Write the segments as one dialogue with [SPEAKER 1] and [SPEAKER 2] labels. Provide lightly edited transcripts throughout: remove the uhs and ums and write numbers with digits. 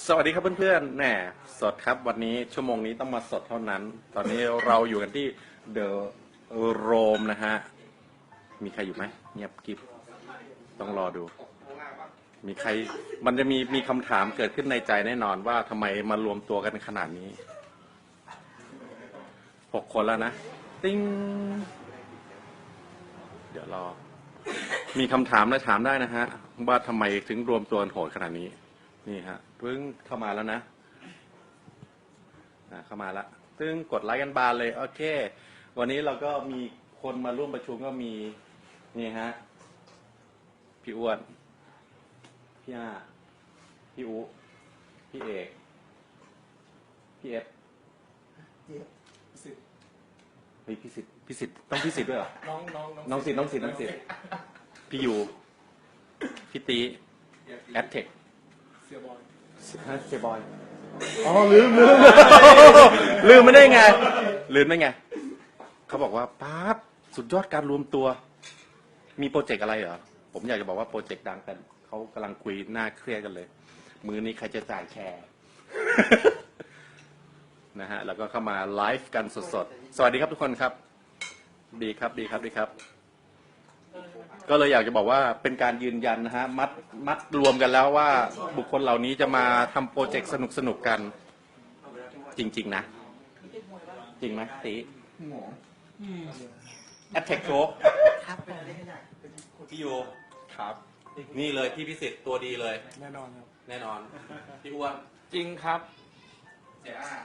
[SPEAKER 1] สวัสดีครับเพื่อนๆแหมสดครับวันนี้ชั่วโมงนี้ต้องมาสดเท่านั้น ตอนนี้เราอยู่กันที่เดอะโรมนะฮะมีใครอยู่ไหมเงียบกิบต้องรอดูมีใครมันจะมีคำถามเกิดขึ้นในใจแน่นอนว่าทำไมมารวมตัวกันขนาดนี้6 คนแล้วนะติ้งเดี๋ยวรอมีคำถามและถามได้นะฮะว่าทำไมถึงรวมตัวกันโหดขนาดนี้นี่ฮะเพิ่งเข้ามาแล้วนะเข้ามาแล้วซึ่งกดไลค์กันบานเลยโอเควันนี้เราก็มีคนมาร่วมประชุมก็มีนี่ฮะพี่อ้วนพี่อาพี่อุพี่เอกพี่เอฟเฮ้ยพี่สิทธิ์ต้องพี่สิทธิ์ด้วยเหรอน้องสิทธิ์พี่ยูพี่ตีแอดเทคเสียบอยอ๋อลืมไม่ได้ไงเขาบอกว่าป๊าบสุดยอดการรวมตัวมีโปรเจกต์อะไรเหรอผมอยากจะบอกว่าโปรเจกต์ดังแต่เขากำลังคุยหน้าเครียดกันเลยมือนี้ใครจะจ่ายแชร์ นะฮะแล้วก็เข้ามาไลฟ์กันสดๆสวัสดีครับทุกคนครับดีครับก็เลยอยากจะบอกว่าเป็นการยืนยันนะฮะมัดรวมกันแล้วว่าบุคคลเหล่านี้จะมาทำโปรเจกต์สนุกกันจริงๆนะจริงไหมตีแอดเทคโชว์ครับพี่โยครับนี่เลยพี่พิสิทธิ์ตัวดีเลยแน่นอนครับแน่นอนพี่อ้วน
[SPEAKER 2] จริงครับ
[SPEAKER 1] เสียอ้า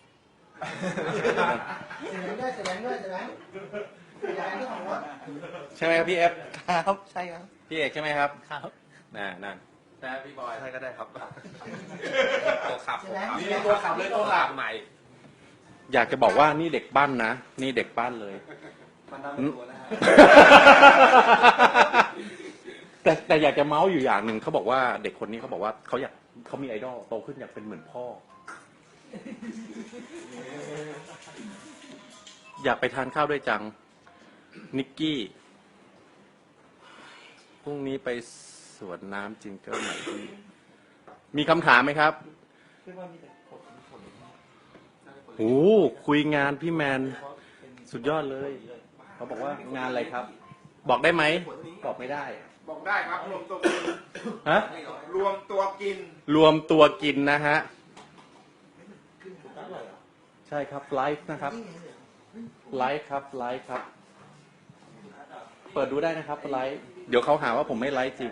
[SPEAKER 1] ใช่ไหมครับพี่เอฟ
[SPEAKER 2] ครับใช่ครับ
[SPEAKER 1] พี่เอกใช่ไหมครับ
[SPEAKER 2] ครับ
[SPEAKER 1] นั่นใช่พี่บอย
[SPEAKER 2] ใช่ก็ได้ครับ
[SPEAKER 1] ตัวขับนี่ตัวขับเลยตัวขับใหม่อยากจะบอกว่านี่เด็กบ้านนะนี่เด็กบ้านเลย
[SPEAKER 2] มันทำตัวนะฮะ
[SPEAKER 1] แต่อยากจะเมาส์อยู่อย่างหนึ่งเขาบอกว่าเด็กคนนี้เขาบอกว่าเขามีไอดอลโตขึ้นอยากเป็นเหมือนพ่ออยากไปทานข้าวด้วยจังนิกกี้พรุ่งนี้ไปสวนน้ำจิงเกิลไหนมีคำถามไหมครับโอ้คุยงานพี่แมนสุดยอดเลยเขาบอกว่างานอะไรครับบอกได้ไหมบอกไม่ได้
[SPEAKER 3] บอกได้ครับรวมตัวกิน
[SPEAKER 1] ฮะ
[SPEAKER 3] รวมตัว
[SPEAKER 1] กินนะฮะใช่ครับไลฟ์นะครับไลฟ์ครับเปิดดูได้นะครับไลฟ์เดี๋ยวเขาหาว่าผมไม่ไลฟ์จริง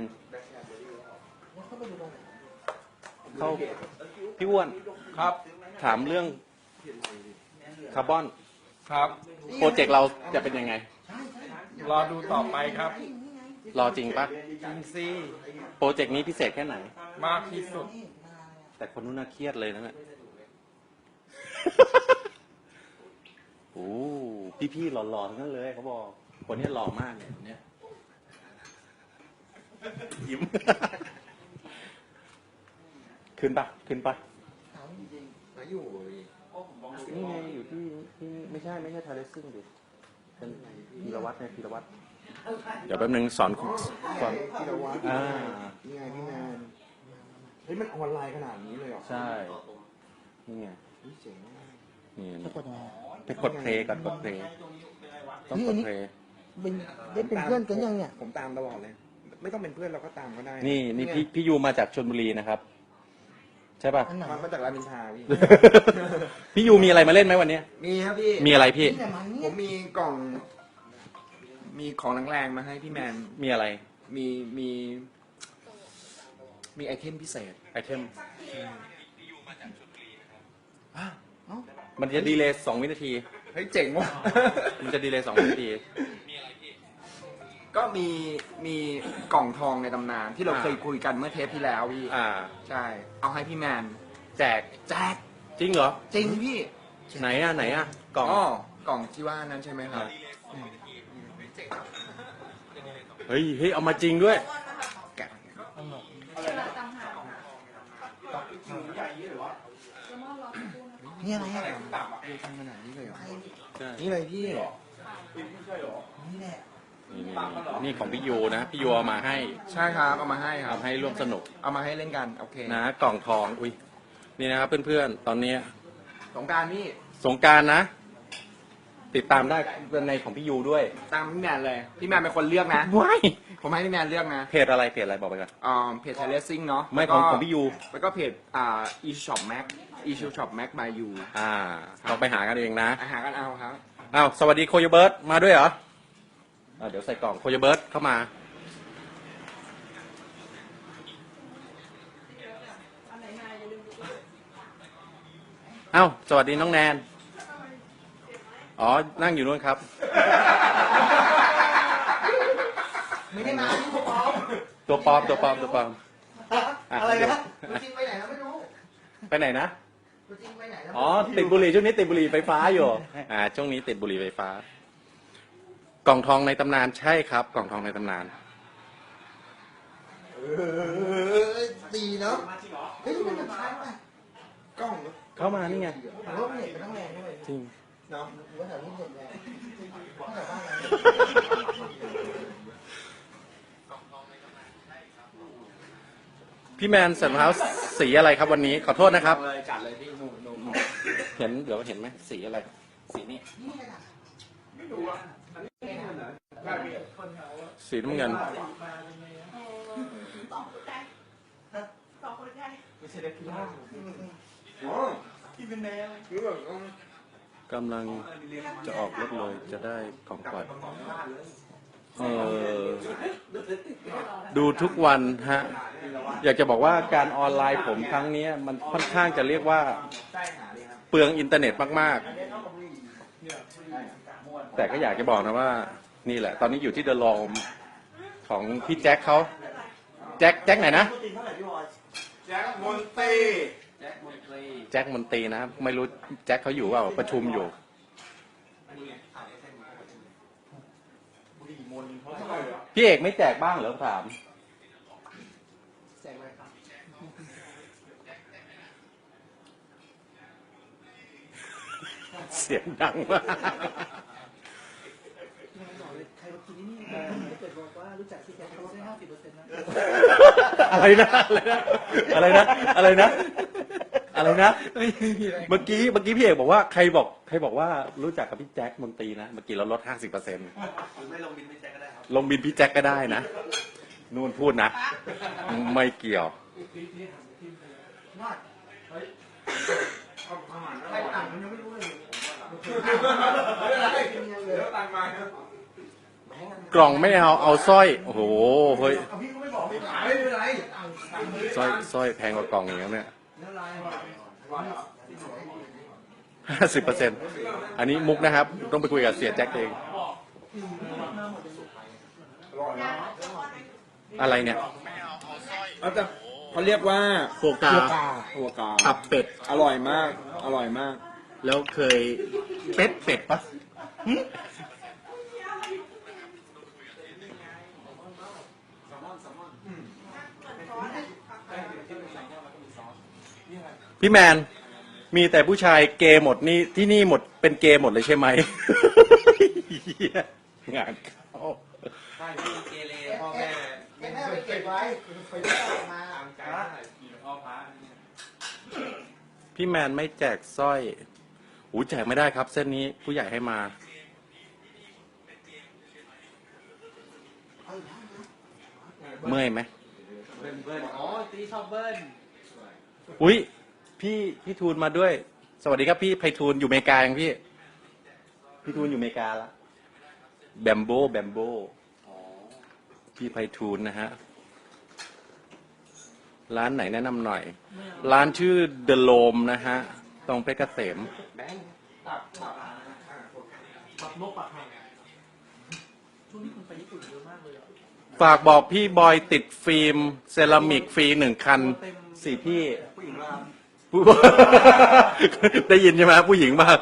[SPEAKER 1] เขาพี่อ้วน
[SPEAKER 2] ครับ
[SPEAKER 1] ถามเรื่องคาร์บอน
[SPEAKER 2] ครับ
[SPEAKER 1] โปรเจกต์เราจะเป็นยังไง
[SPEAKER 2] รอดูต่อไปครับ
[SPEAKER 1] รอจริงปะ
[SPEAKER 2] จริงสิ
[SPEAKER 1] โปรเจกต์นี้พิเศษแค่ไหน
[SPEAKER 2] มากที่สุด
[SPEAKER 1] แต่คนนู้นน่าเครียดเลยนะเนี่ยโอ้พี่หล่อๆทั้งนั้นเลยเขาบอกคนนี้หล่อมากเนี่ยยิ้มขึ้นปะ
[SPEAKER 3] อยู่
[SPEAKER 1] นี่ไงอยู่ที่ไม่ใช่ทาเลซิ่งดิเป็นพีรวัตรเดี๋ยวแป๊บนึงสอน
[SPEAKER 3] พีรวัตรนี่ไงพี่แมนเฮ้ยมันออนไลน์ขนาดนี้เลยเหรอ
[SPEAKER 1] ใช่นี่ไง
[SPEAKER 3] เจ๋งมาก
[SPEAKER 1] นี่ไปกดเพลย์ก่อนกดเพลย์ต้องกดเพลย์
[SPEAKER 3] ได้เป็นเพื่อนกันยังเนี่ยผมตามตลอดเลยไม่ต้องเป็นเพื่อนเราก็ตามก็ได้
[SPEAKER 1] นี่พี่ยูมาจากชลบุรีนะครับใช่ป่ะ
[SPEAKER 3] มาจากรามอินทราพี่
[SPEAKER 1] พี่ยูมีอะไรมาเล่นไหมวันนี้
[SPEAKER 3] มีครับพี่
[SPEAKER 1] มีอะไรพี่
[SPEAKER 3] ผมมีกล่องมีของแรงๆมาให้พี่แมน
[SPEAKER 1] มีอะไร
[SPEAKER 3] มีไอเทมพิเศษ
[SPEAKER 1] ไอเทมมันจะดีเลย์2 วินาที
[SPEAKER 3] เฮ้ยเจ๋งว่ะ
[SPEAKER 1] มันจะดีเลย์2 วินาที
[SPEAKER 3] ก็มีกล่องทองในตำนานที่เราเคยคุยกันเมื่อเทปที่แล้วพี่ใช่เอาให้พี่แมน
[SPEAKER 1] แจกจริงเหรอ
[SPEAKER 3] จริงพี่
[SPEAKER 1] ไหนอ่ะกล่อง
[SPEAKER 3] กล่องที่ว่านั้นใช่ไหมครับ
[SPEAKER 1] เฮ้ยเอามาจริงด้วย
[SPEAKER 3] แกะนี่อะไรอ่ะทำขนาดนี้เลยเหรอนี่เลยพี่นี่แหละ
[SPEAKER 1] นี่ของพี่ยูนะพี่ยูเอามาให้
[SPEAKER 3] ใช่ครับเอามาให้ครับ
[SPEAKER 1] ให้ร่วมสนุก
[SPEAKER 3] เอามาให้เล่นกันโอเค
[SPEAKER 1] นะกล่องทองอุ้ยนี่นะครับเพื่อนๆตอนนี้
[SPEAKER 3] สงกรารพี่
[SPEAKER 1] สงกรารนะ ติดตามได้ในของพี่ยูด้วย
[SPEAKER 3] ตามพี่แมนเลยพี่แมนเป็นคนเลือกนะ
[SPEAKER 1] ว้าย
[SPEAKER 3] ผมให้พี่แมนเลือกนะ
[SPEAKER 1] เพจอะไรเพจอะไรบอกไปก่อน
[SPEAKER 3] เพจไทยเลสซิ่งเนาะ
[SPEAKER 1] ไม่
[SPEAKER 3] แล้วก็
[SPEAKER 1] ของพี่ยู
[SPEAKER 3] แล้วก็เพจe-shop mac e-shop mac by you
[SPEAKER 1] ต้องไปหากันเองนะ
[SPEAKER 3] อาหารกันเอาครับ
[SPEAKER 1] อ้าวสวัสดีโคโยเบิร์ตมาด้วยเหรอเดี๋ยวใส่กล่องโคโยเบิร์ตเข้ามาอ้าวสวัสดีน้องแนนอ๋อนั่งอยู่นู่นครับ
[SPEAKER 2] ไม่ได้มาที่ปอม
[SPEAKER 1] ตัวปลอมตัวปลอมตัวปลอม
[SPEAKER 2] อะไร
[SPEAKER 1] เดี๋ยว
[SPEAKER 2] นะตัวจริงไปไหนแล้วไม่รู้
[SPEAKER 1] ไปไหนนะ
[SPEAKER 2] ตัวจริงไปไหนแล้ว
[SPEAKER 1] อ๋อติดบุหรี่ช่วงนี้ติดบุหรี่ไฟฟ้าอยู่ช่วงนี้ติดบุหรี่ไฟฟ้า กล่องทองในตำนานใช่ครับ กล่องทองในตำนาน
[SPEAKER 2] ตีเนาะเฮ้ยมันจะใช้ไหมกล้อง
[SPEAKER 1] เข้ามานี่ไง
[SPEAKER 2] ผมว่ามันเน็ตมันต้องแรงด้วย
[SPEAKER 1] จริง
[SPEAKER 2] เนาะผมว่าแถวนี้เน็ตแรงแถวบ้านเรา
[SPEAKER 1] พี่แมนใส่รองเท้าสีอะไรครับวันนี้ขอโทษนะครับ
[SPEAKER 3] เลยจัดเลยพี่หนุ่ม
[SPEAKER 1] เห็นเดี๋ยวเห็นไหมสีอะไร
[SPEAKER 3] สีนี่
[SPEAKER 1] สีน้ำเงิน
[SPEAKER 3] ไม่ใช่เด็กพี่ล่าที่เป็นแมว
[SPEAKER 1] กำลังจะออกรถเลยจะได้ของขวัญดูทุกวันฮะ อยากจะบอกว่าการออนไลน์ผมครั้งนี้มันค่อนข้างจะเรียกว่าเปลืองอินเทอร์เน็ตมากๆ แต่ก็อยากจะบอกนะว่านี่แหละ ตอนนี้อยู่ที่เดอะลอมของพี่แจ็คเขาแจ็คไหนนะ
[SPEAKER 3] แจ็คมนตรี
[SPEAKER 1] แจ็คมนตรีนะไม่รู้แจ็คเขาอยู่เปล่าประชุมอยู่ พี่เอกไม่แจกบ้างเหรอถาม
[SPEAKER 2] แจกอะไรครับ
[SPEAKER 1] เสียงดังมาก
[SPEAKER 2] ใครมากินนี่ถ้าเกิดบอกว่ารู้จักที่แจ็คเขาได้50%นะ
[SPEAKER 1] อะไรนะอะไรนะอะไรนะอะไรนะเมื่อกี้พี่เอกบอกว่าใครบอกว่ารู้จักกับพี่แจ็คมนตรีนะเมื่อกี้เราลด 50%
[SPEAKER 2] ไม่ลงบินพี่แจ็คก็ได้ครับ
[SPEAKER 1] ลงบินพี่แจ็คก็ได้นะนู่นพูดนะ ไม่เกี่ยว
[SPEAKER 2] ว่าใครต่างมันยังไม่รู้เลยเหลือตังมา
[SPEAKER 1] กล่องไม่เอาสร้อยโอ้โหเฮ้ย
[SPEAKER 2] พี่ก็ไม่บอกไม่ขายไม่เป็นไร
[SPEAKER 1] สร้อยแพงกว่ากล่องอย่างนี้เนี่ย 50%อันนี้มุกนะครับต้องไปคุยกับเสียแจ็คเองอะไรเนี่ย
[SPEAKER 3] เขาเรียกว่า
[SPEAKER 1] โฟกา
[SPEAKER 3] หัวกา
[SPEAKER 1] ตับเป็ด
[SPEAKER 3] อร่อยมาก อร่อยมาก
[SPEAKER 1] แล้วเคยเป็ดปะพี่แมนมีแต่ผู้ชายเกย์หมดนี่ที่นี่หมดเป็นเกย์หมดเลยใช่ไหม งานเข้า
[SPEAKER 3] ใช่พี่เกเรพ่อแม่
[SPEAKER 2] แม่ไปเก็บไว้ไปได้ออกมา
[SPEAKER 3] ตามใจพ่อพระ
[SPEAKER 1] พี่แมนไม่แจกสร้อยหูแจกไม่ได้ครับ เส้นนี้ผู้ใหญ่ให้มา เมื่อยไหม
[SPEAKER 3] เบิ้ลอ๋อตีชอบเบิ้ล
[SPEAKER 1] อุ้ยพี่ทูนมาด้วย สวัสดีครับพี่ไพฑูรย์อยู่อเมริกายังพี่ทูนอยู่อเมริกาละแบมโบพี่ไพฑูรย์นะฮะร้านไหนแนะนำหน่อย ร้านชื่อเดอะโลมนะฮะตรงเพชรเกษม
[SPEAKER 3] แบงค์
[SPEAKER 2] ปักนกปักไห่ช่วงนี้คุณไปญี่ปุ่นเยอะมากเลย
[SPEAKER 1] ฝากบอกพี่บอยติดฟิล์มเซรามิกฟรี1 คันสี่พี่
[SPEAKER 3] ผู้หญิงมา
[SPEAKER 1] ได้ยินใช่ไหมผู้หญิงมาก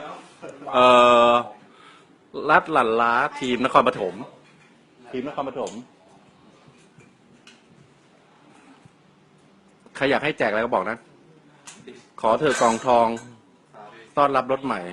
[SPEAKER 1] รัดหลั่นล้าทีมนครปฐมใครอยากให้แจกอะไรก็บอกนะ ขอเธอกองทองต้อนรับรถใหม่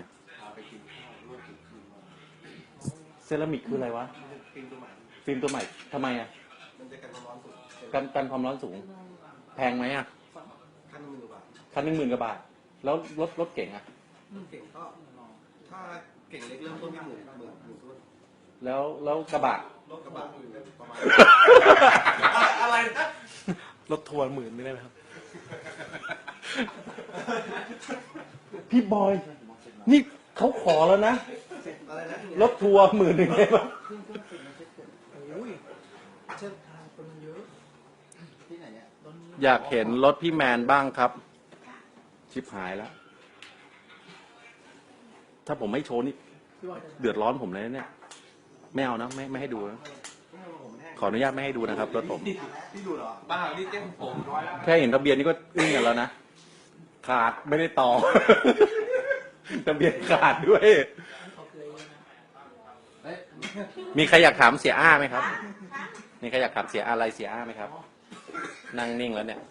[SPEAKER 1] เซรามิกคืออะไรวะ ฟิล์มตัวใหม่ทำไมอ่ะ กันความร้อนสูง แพงไหมอ่ะ
[SPEAKER 3] 1,000 บาท
[SPEAKER 1] คันหนึ่ง10,000 กว่าบาท แล้วรถเก่งอะ
[SPEAKER 3] เก่งก็ถ้าเก่งเล็กเริ่มต้นที่หมื่นต้น
[SPEAKER 1] แล้วกระบะ
[SPEAKER 3] รถกระบะประมาณ
[SPEAKER 2] อะไรนะ
[SPEAKER 4] รถทัวร์10,000ไม่ได้ไหมครับ
[SPEAKER 1] พี่บอย นี่เขาขอแล้วนะ
[SPEAKER 3] อะไรนะ
[SPEAKER 1] รถทัวร์10,000ได้ปะ
[SPEAKER 3] โอ้ยเช่นทางคนเยอะที่ไหนเนี่ย
[SPEAKER 1] อยากเห็นรถพี่แมนบ้างครับ ชิบหายแล้ว ถ้าผมไม่โชว์นี่เดือดร้อนผมเลยนะเนี่ย ไม่เอานะ ไม่ให้ดูนะขออนุญาตไม่ให้ดูนะครับรถผม
[SPEAKER 3] พี่ดูเหรอบ้านี่เต้นผมร้อยแล้ว
[SPEAKER 1] แค่เห็นทะเบียนนี่ก็อึ้งกันแล้วนะ ขาดไม่ได้ต่อ ทะเบียนขาดด้วย มีใครอยากถามเสียอ้าไหมครับ มีใครอยากถามเสียอะไรเสียอ้าไหมครับ นั่งนิ่งแล้วเนี่ย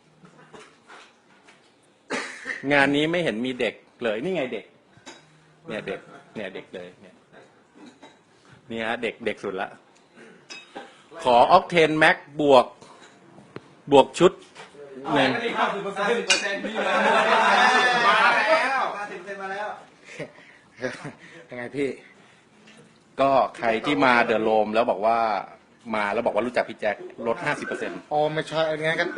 [SPEAKER 1] งานนี้ไม่เห็นมีเด็กเลย นี่ไงเด็ก เนี่ยเด็ก เนี่ยเด็กเลย เนี่ยนี่ฮะเด็กสุดละ ขอออกเทนแม็กบวกชุดหนึ่ง
[SPEAKER 3] 50%พี่มาแล้ว50%มาแล้วยังไงพี่
[SPEAKER 1] ก็ใครที่มาเดอะโรมแล้วบอกว่ามาแล้วบอกว่ารู้จักพี่แจ็คลด 50%
[SPEAKER 3] อ๋อไม่ใช่อะไรเงี้ยกัน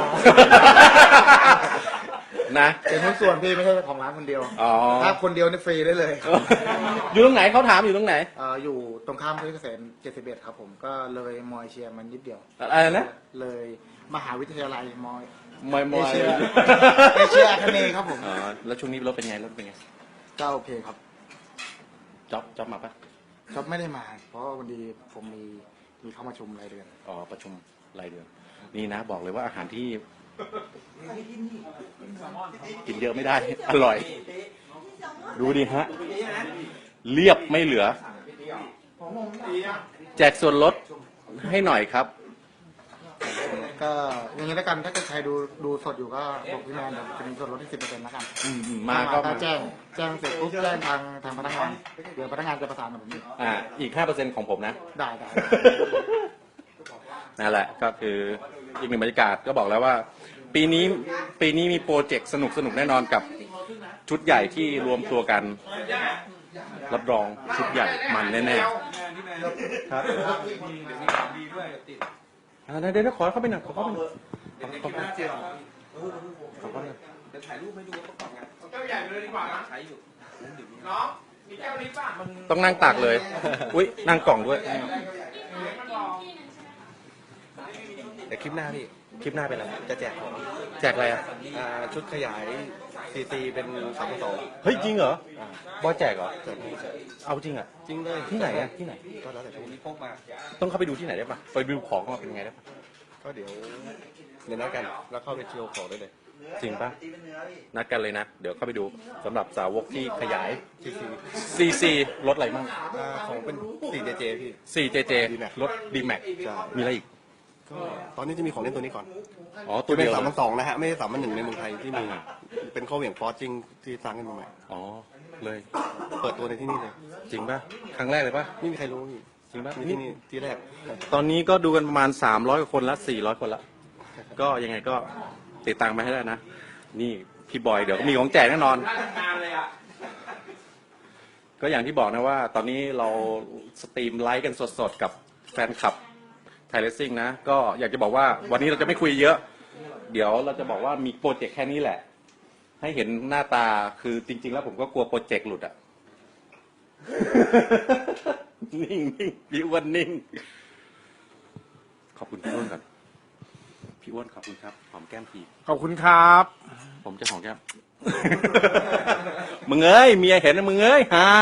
[SPEAKER 1] นะ
[SPEAKER 3] เป็นหุ้นส่วนพี่ไม่ใช่ของร้านคนเดียว
[SPEAKER 1] อ๋อ
[SPEAKER 3] ถ้าคนเดียวนี่ฟรีได้เลย
[SPEAKER 1] อยู่ตรงไหนเขาถามอยู่ตรงไหน
[SPEAKER 3] อยู่ตรงข้ามเพชรเกษม71ครับผมก็เลยมอยเชียร์มันนิดเดียว
[SPEAKER 1] อะไรนะ
[SPEAKER 3] เลยมหาวิทยาลัยมอย
[SPEAKER 1] มอยมอย
[SPEAKER 3] เอเชีย เอเชียอาคเนย์ครับผม
[SPEAKER 1] อ๋อแล้วช่วงนี้รถเป็นไงรถเป็นไง
[SPEAKER 3] ก็โอเคครับ
[SPEAKER 1] จ๊อบมาปะ
[SPEAKER 3] ก็ไม่ได้มา เพราะวันดีผมมีเข้ามาชมรายเดือน
[SPEAKER 1] อ๋อประชุมรายเดือนนี่นะบอกเลยว่าอาหารที่กินเยอะไม่ได้ อร่อย ดูดิฮะ เรียบไม่เหลือ แจกส่วนลดให้หน่อยครับ
[SPEAKER 3] ก็อย่างนี้แล้วกันถ้าเกิดใครดูสดอยู่ก็บอกพี่แมนเดี๋ยวจะมีส่วนลดที่10%แล้วกัน
[SPEAKER 1] มาก็
[SPEAKER 3] ถ้า
[SPEAKER 1] มา
[SPEAKER 3] แจ้งเสร็จปุ๊บแจ้งทางพนักงานเดี๋ยวพนักงานจะประสานกับผมอีก
[SPEAKER 1] อีก 5% ของผมนะ
[SPEAKER 3] ได้
[SPEAKER 1] นั่นแหละก็คืออีกหนึ่งบรรยากาศก็บอกแล้วว่า ปีนี้มีโปรเจกต์สนุกแน่นอนกับชุดใหญ่ที่รวมตัวกัน รับรองชุดใหญ่มันแน่ๆครับเดี๋ยวขอเข้าไปหน่อยขอเข้าไปหน่อยขอเข้าไปหน่อย
[SPEAKER 3] ถ่ายรูปให้ดูว่าประกอบงาน
[SPEAKER 2] แก้วใหญ่เลยดีกว่านะ
[SPEAKER 3] ใช้อยู่
[SPEAKER 2] น้องมีแก้วนี้ป่ะ
[SPEAKER 1] ต้องนั่งตากเลย อุ้ยนั่งกล่องด้วย
[SPEAKER 4] แต่คลิปหน้าพี่
[SPEAKER 1] คลิปหน้าเป็นอะไร
[SPEAKER 4] จะแจกของ
[SPEAKER 1] แจกอะไรอ่ะ
[SPEAKER 4] ชุดขยายCC เป็น3.2
[SPEAKER 1] เฮ้ยจริงเหรอ บอยแจกเหรอ
[SPEAKER 4] แจก
[SPEAKER 1] เอาจริงอ่ะ
[SPEAKER 4] จริงเลย
[SPEAKER 1] ที่ไหนอ่ะที่ไหน
[SPEAKER 4] ก็แล้วแต่ช่วงนี้พกมา
[SPEAKER 1] ต้องเข้าไปดูที่ไหนได้ปะไปดูของว่าเป็นไงได้ปะ
[SPEAKER 4] ก็เดี๋ยวนัดกัน แล้วเข้าไปเที่ยวของได้เลย
[SPEAKER 1] จริงปะนัดกันเลยนะ เดี๋ยวเข้าไปดูสำหรับสาวกที่ขยาย
[SPEAKER 4] CC
[SPEAKER 1] CC รถอะไรมั่ง
[SPEAKER 4] ของเป็น 4JJ พี่
[SPEAKER 1] 4JJ
[SPEAKER 4] D-Max
[SPEAKER 1] รถ D-Max
[SPEAKER 4] ใช่
[SPEAKER 1] มีอะไรอีก
[SPEAKER 4] ก็ตอนนี้จะมีของเล่นตัวนี้ก่อน
[SPEAKER 1] อ๋อ ตัวเดียว
[SPEAKER 4] เป็น3.2นะฮะ ไม่ใช่3.1ในเมืองไทยที่มี เป็นข้อเหวี่ยงฟอสจริงที่สร้างขึ้นมาใหม่
[SPEAKER 1] อ๋อ เลย
[SPEAKER 4] เปิดตัวในที่นี่เลย
[SPEAKER 1] จริงปะครั้งแรกเลยปะ
[SPEAKER 4] ไม่มีใครรู้พี่
[SPEAKER 1] จริงปะ
[SPEAKER 4] มีที่นี่ที่แรก
[SPEAKER 1] ตอนนี้ก็ดูกันประมาณ300กว่าคนละ400คนละก็ยังไงก็ติดตามมาให้ได้นะ นี่พี่บอยเดี๋ยวก็มีของแจกแน่นอน
[SPEAKER 2] งานเลยอ่ะ
[SPEAKER 1] ก็อย่างที่บอกนะว่า ตอนนี้เราสตรีมไลฟ์กันสดๆกับแฟนคลับไทยเลสซิ่งนะ ก็อยากจะบอกว่าวันนี้เราจะไม่คุยเยอะ เดี๋ยวเราจะบอกว่ามีโปรเจกต์แค่นี้แหละ ให้เห็นหน้าตาคือจริง ๆ แล้วผมก็กลัวโปรเจกต์หลุดอะ นิ่งพี่อ้วนนิ่ง ขอบคุณพี่อ้วนก่อนพี่อ้วนขอบคุณครับหอมแก้มที
[SPEAKER 3] ขอบคุณครับ
[SPEAKER 1] ผมจะหอมแก้ม มึงเอ้ยเมียเห็นนะมึงเอ้ยฮา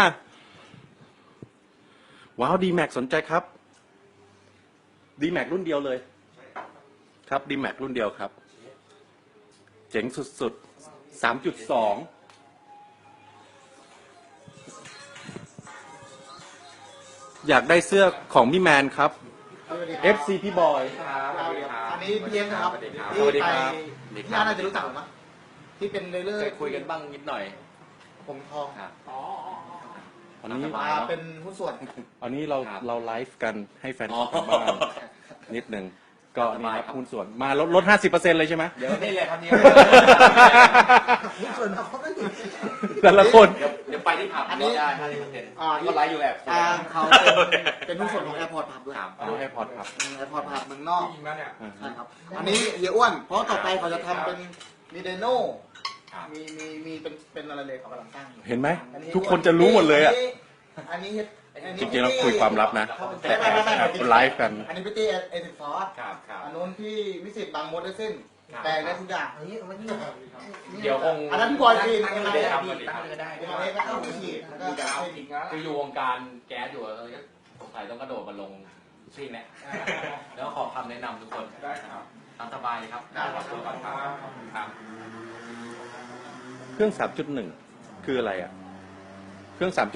[SPEAKER 1] ว้าวดีแม็กสนใจครับดีแม็กรุ่นเดียวเลย ครับดีแม็กรุ่นเดียวครับ เจ๋งสุดๆ 3.2 อยากได้เสื้อของพี่แมนครับ FC พี่บอย
[SPEAKER 3] อันนี้พี่เลี้ยงนะครับที่
[SPEAKER 1] สวัสดี
[SPEAKER 3] ไป
[SPEAKER 1] ครับ
[SPEAKER 3] พี่อาร์น่าจะรู้จักหรือเปล่าที่เป็นเรื่อย
[SPEAKER 1] เคยคุยกันบ้างนิดหน่อย
[SPEAKER 3] ผมทอง
[SPEAKER 1] อันนี้
[SPEAKER 3] เป็นหุ้นส่วน
[SPEAKER 1] อันนี้เราไลฟ์กันให้แฟนคลับบ้างนิดนึงก็นี่ครับหุ้นส่วนมาลด 50%เลยใช่ไหม
[SPEAKER 3] เดี๋ยวนี่เลยครับเนี่ย
[SPEAKER 2] ส่วนเขาก็อยู่
[SPEAKER 1] แต่ละคน
[SPEAKER 3] เดี๋ยวไปที่ผับลดได้50%ก็ไลฟ์อยู่แอบ
[SPEAKER 2] เขาเป็นหุ้นส่วนของแอร์พอร์ตผับด้วย
[SPEAKER 1] เอาให้พอร์ตครับ
[SPEAKER 2] แอร์พอร์ตผับเมืองนอก
[SPEAKER 3] จริงแล้วเนี่ย
[SPEAKER 2] ใช่ครับ อันนี้เฮียอ้วน เพราะต่อไปเขาจะทำเป็นมีไดโน่มีเป็นอะไรเลยเขากำลังสร้างอยู่
[SPEAKER 1] เห็นไหมทุกคนจะรู้หมดเลยอ่ะ
[SPEAKER 2] อันนี้เฮ็ด
[SPEAKER 1] จริงๆเราคุยความลับนะแต่แอบไลฟ์กัน
[SPEAKER 2] อันนี้พี่ตี้เอซิฟอร์ส
[SPEAKER 3] ครับครับ
[SPEAKER 2] อันนู้นพี่มิสิตบางมดได้สิ้นแปลงได้ทุกอย่างอันนี้
[SPEAKER 3] เดี๋ยวคง
[SPEAKER 2] อันนั้นพี่บอยจีน
[SPEAKER 3] ตั้งเลยครับตั้งเลยก็ได้
[SPEAKER 2] อันนี้ก็เข้าไปฉีดแล้วก็เอา
[SPEAKER 5] คืออยู่วงการแก๊สอยู่สงสัยต้องกระโดดมาลงซิ่งเนี่ยแล้วขอคำแนะนำทุกคน
[SPEAKER 3] ได้ครับ
[SPEAKER 5] ตามสบายครับขอบคุณครับครับ
[SPEAKER 1] เครื่อง 3.1 คืออะไรอ่ะ เครื่อง 3.1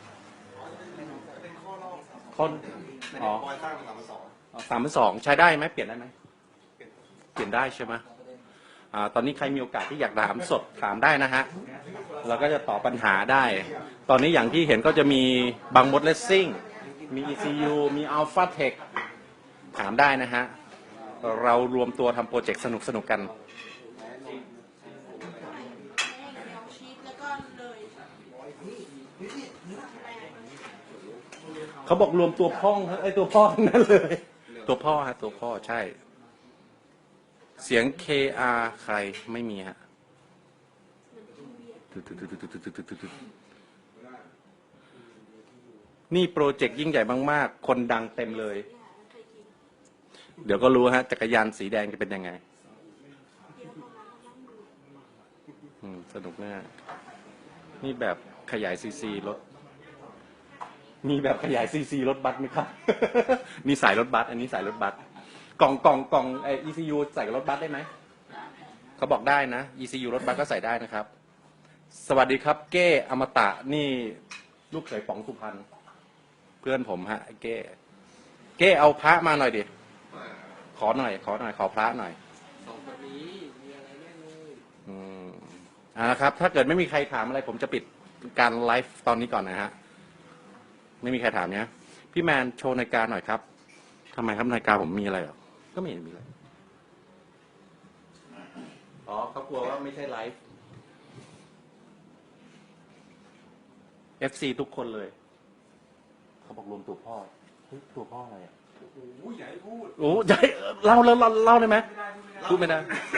[SPEAKER 1] ข้ออ๋อ
[SPEAKER 4] บอยสร้าง
[SPEAKER 1] 3.2
[SPEAKER 4] 3,200
[SPEAKER 1] ใช้ได้ไหมเปลี่ยนได้ไหมเปลี่ยนได้ใช่ไหมตอนนี้ใครมีโอกาสที่อยากถามสดถามได้นะฮะ เราก็จะตอบปัญหาได้ ตอนนี้อย่างที่เห็นก็จะมีบางมดเลสซิ่ง มี ECU มี Alpha Tech ถามได้นะฮะ เรารวมตัวทำโปรเจกต์สนุกๆกัน เขาบอกรวมตัวพ่องไอตัวพ่อทั้งนั้นเลย ตัวพ่อฮะตัวพ่อใช่ เสียง KR ใครไม่มีฮะนี่โปรเจกต์ยิ่งใหญ่มากๆคนดังเต็มเลย เดี๋ยวก็รู้ฮะจักรยานสีแดงจะเป็นยังไงสนุกแน่นี่แบบขยายซีซีรถมีแบบขยายซีซีรถบัสไหมครับ มีสายรถบัสอันนี้สายรถบัสกล่องECU ใส่กับรถบัสได้ไหมเขาบอกได้นะ ECU รถบัสก็ใส่ได้นะครับ สวัสดีครับเก้อมตะนี่ลูกเขยป๋องสุพรรณเพื่อนผมฮะเก้เอาพระมาหน่อยดิขอพระหน่อยสองคนนี้มีอะไรแน่เลยนะครับถ้าเกิดไม่มีใครถามอะไรผมจะปิดการไลฟ์ตอนนี้ก่อนนะฮะไม่มีใครถามเนี้ยพี่แมนโชว์นาฬิกาหน่อยครับทำไมครับนาฬิกาผมมีอะไรหรอก็ไม่เห็นมีอะไรอ๋อเขากลัวว่าไม่ใช่ไลฟ์ FC ทุกคนเลยเขาบอกรวมตัวพ่อเฮ้ยตัวพ่ออะไรอ่ะ
[SPEAKER 3] โอ้ยอย่าให้พูด
[SPEAKER 1] โอ้ใหญ่เล่าได้ไหมพูดไม่ได้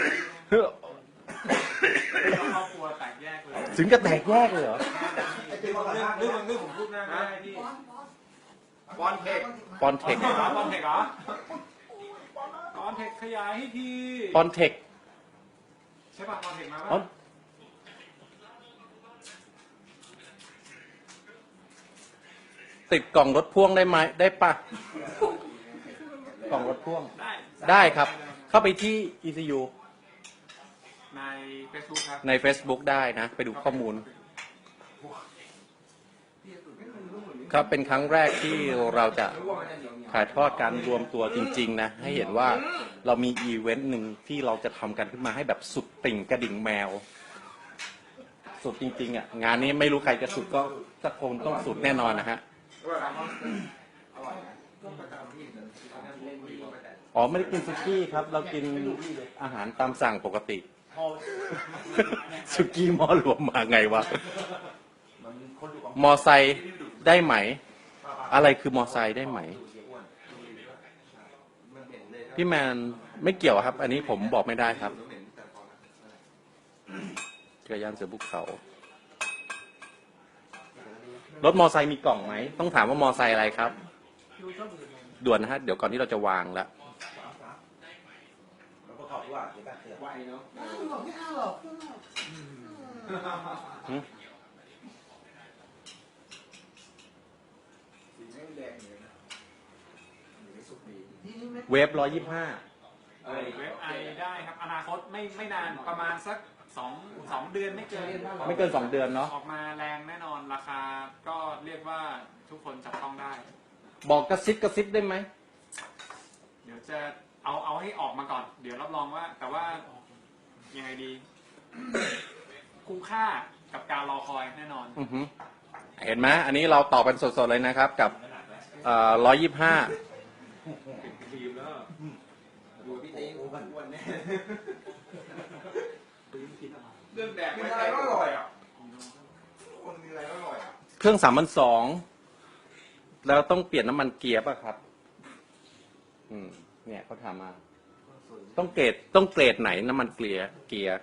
[SPEAKER 3] ครอบครัวแตกแยกเลย
[SPEAKER 1] ถึงกับแตกแยกเลยเหรอ
[SPEAKER 3] เรื่องผมพูดหน้าไม่ได้พี่บอลเทค
[SPEAKER 1] ปอนเทค
[SPEAKER 3] บอลเทคเหรอบอลเทคขยายให้ที
[SPEAKER 1] ปอนเทค
[SPEAKER 3] ใช่ป่ะบอลเทคมา
[SPEAKER 1] อ๋อ
[SPEAKER 3] ป่ะ
[SPEAKER 1] ติดกล่องรถพ่วงได้ไหมได้ปะกล่องรถพ่วงได้ครับ เข้าไปที่ ECU
[SPEAKER 3] ใน Facebook ครับ
[SPEAKER 1] ใน Facebook ได้นะ ไปดูข้อมูล ครับเป็นครั้งแรกที่เราจะถ่ายทอดการรวมตัวจริงๆนะให้เห็นว่าเรามีอีเวนต์หนึ่งที่เราจะทำกันขึ้นมาให้แบบสุดติ่งกระดิ่งแมว สุดจริงๆอ่ะงานนี้ไม่รู้ใครจะสุดก็สักคนต้องสุดแน่นอนนะฮะอ๋อไม่ได้กินซุกี้ครับ เรากินอาหารตามสั่งปกติซุกี้หม้อรวมมาไงวะมอไซค์ได้ไหม อะไรคือมอไซค์ได้ไหม พี่แมนไม่เกี่ยวครับ อันนี้ผมบอกไม่ได้ครับจักรยานเสือภูเขารถมอไซค์มีกล่องไหมต้องถามว่ามอไซค์อะไรครับด่วนนะฮะเดี๋ยวก่อนที่เราจะวางแล้ว
[SPEAKER 3] ไหวเนาะ
[SPEAKER 2] ไม่เอาหรอก
[SPEAKER 1] เวฟ125
[SPEAKER 3] เว็บไอได้ครับอนาคตไม่นานประมาณสัก2 เดือนไม่เกิน
[SPEAKER 1] ไม่เกิน2 เดือนเนาะ
[SPEAKER 3] ออกมาแรงแน่นอนราคาก็เรียกว่าทุกคนจับต้องได้
[SPEAKER 1] บอกกระซิบได้ไหม
[SPEAKER 3] เดี๋ยวจะเอาให้ออกมาก่อน เดี๋ยวรับรองว่า แต่ว่ายังไงดี คุ้มค่ากับการรอคอยแน่นอน
[SPEAKER 1] เห็นไหมอันนี้เราต่อเป็นสดๆเลยนะครับกับ125
[SPEAKER 5] อยู่พี่ติ๊กวันนี้
[SPEAKER 3] เรื่องแดกไม่ใช่ก็อร่อยอ่ะ
[SPEAKER 2] คนมีอะไรก็อร่อยอ่ะ
[SPEAKER 1] เครื่อง3,200แล้วต้องเปลี่ยนน้ำมันเกียร์ป่ะครับ เนี่ยเขาถามมา ต้องเกรดไหนน้ำมันเกียร์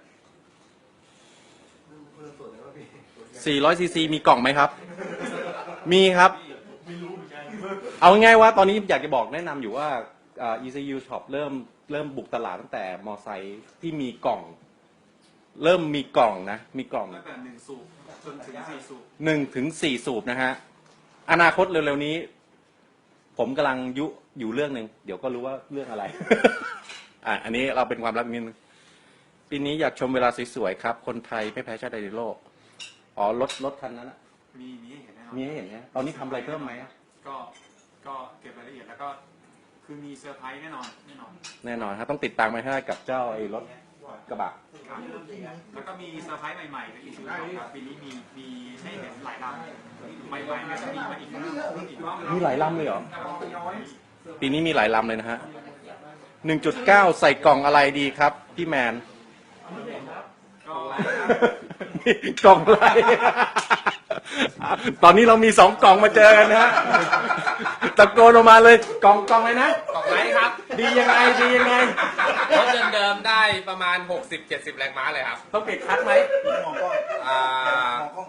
[SPEAKER 1] 400 ซีซี มีกล่องไหมครับ มีครับ เอาง่ายๆว่าตอนนี้อยากจะบอกแนะนำอยู่ว่าECU Shop เริ่มบุกตลาดตั้งแต่มอไซค์ที่มีกล่อง เริ่มมีกล่องนะ มีกล่อง
[SPEAKER 3] ตั้งแต่1 สูบจนถึง4 สูบ
[SPEAKER 1] 1 ถึง 4 สูบนะฮะ อนาคตเร็วๆนี้ ผมกำลังอยู่เรื่องหนึ่งเดี๋ยวก็รู้ว่าเรื่องอะไร อันนี้เราเป็นความลับนิดนึงปีนี้อยากชมเวลาสวยๆครับ คนไทยไม่แพ้ชาติใดในโลก อ๋อรถคันนั้นนะ
[SPEAKER 3] มีให้เห็นแน่นอน
[SPEAKER 1] มีให้เห็นไหมตอนนี้ทำอะไรเพิ่มไหม
[SPEAKER 3] ก็เก็บรายละเอียดแล้วก็คือมีเซอร์ไพรส์แน่นอน
[SPEAKER 1] แน่นอนครับต้องติดตามไปให้กับเจ้าไอ้รถกระบะ
[SPEAKER 3] ครับแล้วก็มีเซอร์ไพรส์ใหม่ๆในอีกครับปีนี้มีให้เห็นหลายลำใหม่ๆเนี่ยจะมีมาอีกรอบ
[SPEAKER 1] มีหลายลำเลยเหรอ ปีนี้มีหลายลำเลยนะฮะ 1.9 ใส่กล่องอะไรดีครับ พี่แมน
[SPEAKER 3] ก็
[SPEAKER 1] กล่องอะไร ตอนนี้เรามี2 กล่องมาเจอกันนะฮะ ตะโกนออกมาเลยกล่องอะไรนะ
[SPEAKER 6] กล่องไม้ครับ
[SPEAKER 1] ดียังไง
[SPEAKER 6] รถเดิมๆได้ประมาณ 60-70 แรงม้าเลยครับ
[SPEAKER 1] ต้องเปลี่ยนคัทไหม
[SPEAKER 2] มองกล้อง
[SPEAKER 6] อ่าม
[SPEAKER 2] องกล้อง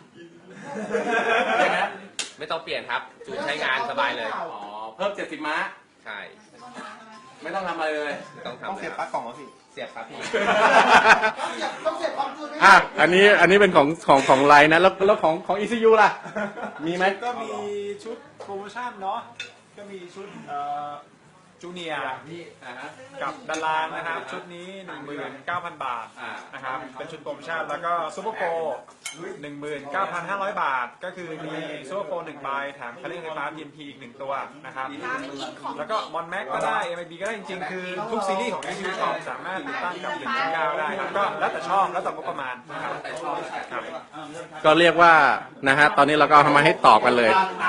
[SPEAKER 6] ไม่ต้องเปลี่ยนครับจูนใช้งานสบายเลย
[SPEAKER 1] อ๋อ เพิ่ม70 ม้า
[SPEAKER 6] ใช่
[SPEAKER 1] ไม่ต้องทำอะไรเลย
[SPEAKER 6] ไม่ต้อง
[SPEAKER 2] ต้อง
[SPEAKER 6] ทำเล
[SPEAKER 2] เสีย
[SPEAKER 6] ย
[SPEAKER 2] บ
[SPEAKER 6] ค
[SPEAKER 2] ปลั๊
[SPEAKER 6] รับ
[SPEAKER 2] กกล่องเหรอพี่
[SPEAKER 6] เสียบครับพี่
[SPEAKER 2] ต้องเสียบความจุ
[SPEAKER 1] อันนี้เป็นของไลน์นะแล้วของ ECU ล่ะ มีไหม
[SPEAKER 3] ก็มีชุดโปรโมชั่นเนาะก็มีชุดจูเนียร์กับดารางนะครับ ชุดนี้ 19,000 บาทนะครับเป็นชุดโปรโมชั่นแล้วก็ซูเปอร์โปร 19,500 บาท ก็คือมีซูเปอร์โปร1ใบแถมคันเร่งไฟฟ้า PNP อีก1ตัวนะครับแล้วก็มอนแม็กก็ได้ MIB ก็ได้จริงๆ คือทุกซีรีส์ของ ECU Shop สามารถติดตั้งกับ 1.9 ได้ครับก็แล้วแต่ชอบแล้วแต่งบประมาณนะครับครับ
[SPEAKER 1] ก็เรียกว่านะฮะตอนนี้เราก็เอามาให้ตอบกันเลย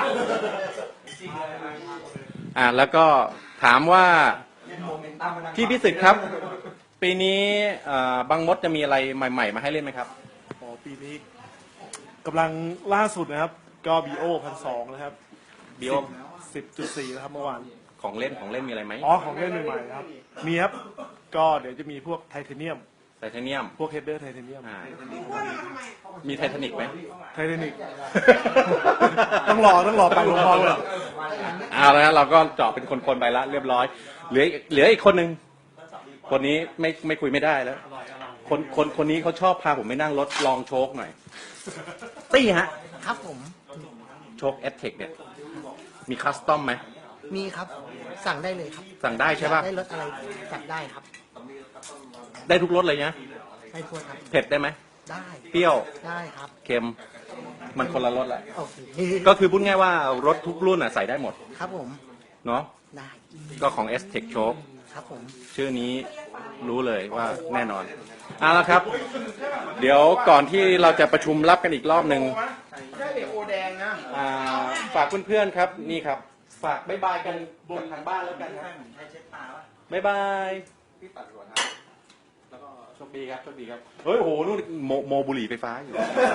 [SPEAKER 1] แล้วก็ถามว่าพี่พิสิทธิ์ครับ ปีนี้บางมดจะมีอะไรใหม่ๆมาให้เล่นไหมครับ
[SPEAKER 7] อ๋อปีนี้กำลังล่าสุดนะครับ ก็ BO 1,200นะครับ
[SPEAKER 1] BO
[SPEAKER 7] 10.4นะครับเมื่อวาน
[SPEAKER 1] ของเล่นมีอะไรไหม
[SPEAKER 7] อ๋อของเล่นใหม่ๆครับ มีครับ ก็เดี๋ยวจะมีพวกไทเทเนียม
[SPEAKER 1] ไทเทเนียม
[SPEAKER 7] พวกเฮดเดอร์ไทเทเนียม
[SPEAKER 1] มีไททานิกไหม
[SPEAKER 7] ไทเทนิก ต้องรอไปลงพร้อมเลย
[SPEAKER 1] เอาแล้วเราก็เจาะเป็นคนๆไปละเรียบร้อย เหลืออีกคนหนึ่งคนนี้ไม่คุยไม่ได้แล้ว คนนี้เขาชอบพาผมไปนั่งรถลองโชคหน่อย ตี้ฮะ
[SPEAKER 8] ครับผม
[SPEAKER 1] โชค S-Tech เนี่ย มีคัสตอมไหม
[SPEAKER 8] มีครับ สั่งได้เลยครับ
[SPEAKER 1] สั่งได้ใช่ป่ะ
[SPEAKER 8] ได้รถอะไรจัดได้ครับ
[SPEAKER 1] ได้ทุกรสเลยนะ
[SPEAKER 8] ได้ทั่วครับ
[SPEAKER 1] เผ็ดได้ไหม
[SPEAKER 8] ได้
[SPEAKER 1] เปรี้ยว
[SPEAKER 8] ได้ครับ
[SPEAKER 1] เค็ม มันคนละรสแหละ
[SPEAKER 8] โอเค
[SPEAKER 1] ก็คือพูดง่ายว่ารถทุกรุ่นใส่ได้หมด
[SPEAKER 8] ครับผม
[SPEAKER 1] เนาะ
[SPEAKER 8] ได้
[SPEAKER 1] ก็ของ S-Tech Choke
[SPEAKER 8] ครับผม
[SPEAKER 1] ชื่อนี้รู้เลยว่าแน่นอนเอาละครับ เดี๋ยวก่อนที่เราจะประชุมรับกันอีกรอบหนึ่ง
[SPEAKER 2] ได้โอแดงนะ
[SPEAKER 1] ฝากเพื่อนๆครับนี่ครับ ฝากบ๊ายบายกันบนทางบ้านแล้วกันครับบ๊ายบายพี่ตัดก่อนนะแล้วก็โชคดีครับเฮ้ยโอ้โหนู่นโมบุหรี่ไฟฟ้าอยู่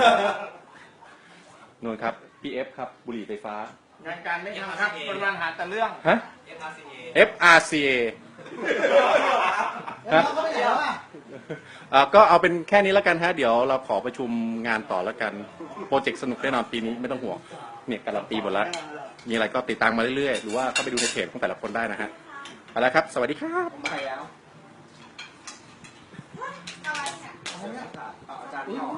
[SPEAKER 1] นู่นครับพี่เอฟครับบุหรี่ไฟฟ้าง
[SPEAKER 2] านการไม่ทำครับวันๆหาแต่เรื่อง
[SPEAKER 1] ฮะ FRCA
[SPEAKER 2] แล้วเขาไปไหนแล้วอ่ะ
[SPEAKER 1] ก็เอาเป็นแค่นี้แล้วกันฮะเดี๋ยวเราขอประชุมงานต่อแล้วกันโปรเจกต์สนุกแน่นอนปีนี้ไม่ต้องห่วงเนี่ยการันตีหมดแล้วมีอะไรก็ติดตามมาเรื่อยๆหรือว่าเข้าไปดูในเพจของแต่ละคนได้นะฮะเอาละครับสวัสดีครับ
[SPEAKER 2] ไปแล้ว